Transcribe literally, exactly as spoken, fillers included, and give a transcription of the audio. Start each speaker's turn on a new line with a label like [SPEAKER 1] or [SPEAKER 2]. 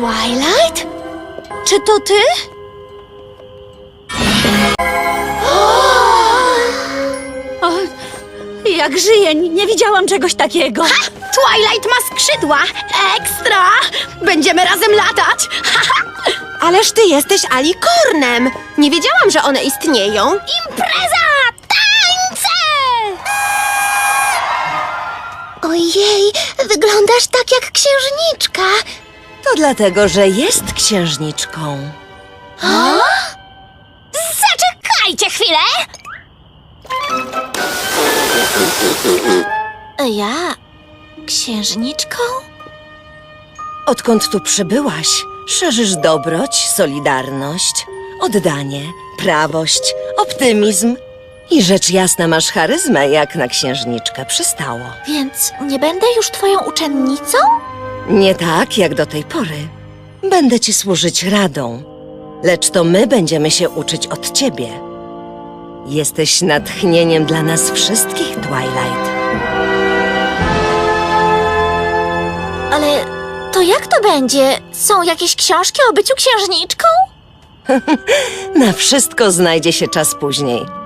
[SPEAKER 1] Twilight? Czy to ty? O, jak żyję, nie widziałam czegoś takiego.
[SPEAKER 2] Ha! Twilight ma skrzydła! Ekstra! Będziemy razem latać!
[SPEAKER 3] Ależ ty jesteś alikornem! Nie wiedziałam, że one istnieją.
[SPEAKER 2] Impreza! Tańce!
[SPEAKER 1] Ojej, wyglądasz tak jak księżniczka.
[SPEAKER 4] To dlatego, że jest księżniczką.
[SPEAKER 2] Zaczekajcie chwilę!
[SPEAKER 1] Ja? Księżniczką?
[SPEAKER 4] Odkąd tu przybyłaś, szerzysz dobroć, solidarność, oddanie, prawość, optymizm i rzecz jasna masz charyzmę, jak na księżniczkę przystało.
[SPEAKER 1] Więc nie będę już twoją uczennicą?
[SPEAKER 4] Nie tak, jak do tej pory. Będę ci służyć radą, lecz to my będziemy się uczyć od ciebie. Jesteś natchnieniem dla nas wszystkich, Twilight.
[SPEAKER 1] Ale to jak to będzie? Są jakieś książki o byciu księżniczką?
[SPEAKER 4] Na wszystko znajdzie się czas później.